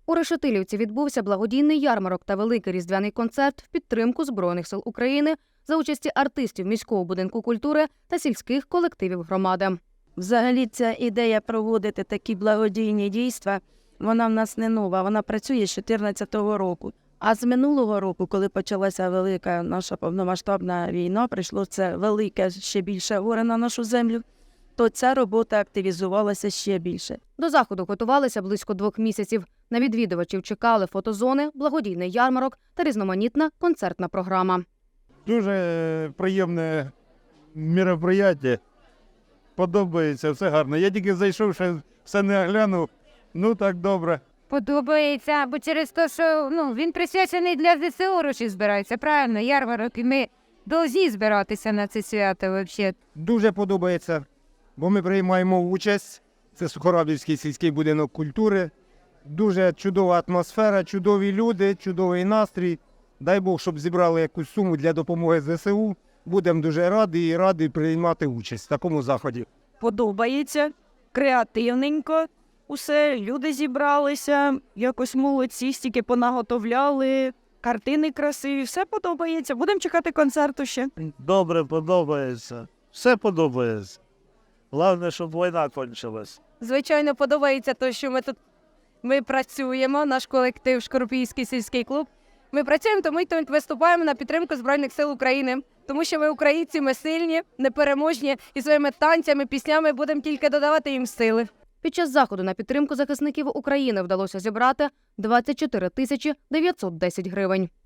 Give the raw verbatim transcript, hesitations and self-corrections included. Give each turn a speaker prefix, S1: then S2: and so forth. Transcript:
S1: У Решетилівці відбувся благодійний ярмарок та великий різдвяний концерт в підтримку Збройних сил України за участі артистів міського будинку культури та сільських колективів громади.
S2: Взагалі ця ідея проводити такі благодійні дійства, вона в нас не нова, вона працює з дві тисячі чотирнадцятого року. А з минулого року, коли почалася велика наша повномасштабна війна, прийшло це велике, ще більше горе на нашу землю, то ця робота активізувалася ще більше.
S1: До заходу готувалися близько двох місяців. На відвідувачів чекали фотозони, благодійний ярмарок та різноманітна концертна програма.
S3: Дуже приємне мероприятие. Подобається, все гарно. Я тільки зайшов, ще все не оглянув. Ну так добре.
S4: Подобається, бо через те, що ну, він присвячений для зе се о гроші збирається, правильно, ярмарок, і ми повинні збиратися на це свято взагалі.
S5: Дуже подобається, бо ми приймаємо участь. Це Сухорабівський сільський будинок культури. Дуже чудова атмосфера, чудові люди, чудовий настрій. Дай Бог, щоб зібрали якусь суму для допомоги зе се у. Будемо дуже раді і раді приймати участь в такому заході.
S2: Подобається, креативненько, усе, люди зібралися, якось молодці, стільки понаготовляли, картини красиві, все подобається. Будемо чекати концерту ще.
S3: Добре, подобається. Все подобається. Головне, щоб війна кончилась.
S6: Звичайно, подобається те, що ми тут ми працюємо, наш колектив Шкоропільський сільський клуб. Ми працюємо, тому й тут виступаємо на підтримку Збройних сил України. Тому що ми українці, ми сильні, непереможні і своїми танцями, піснями будемо тільки додавати їм сили.
S1: Під час заходу на підтримку захисників України вдалося зібрати двадцять чотири тисячі дев'ятсот десять гривень.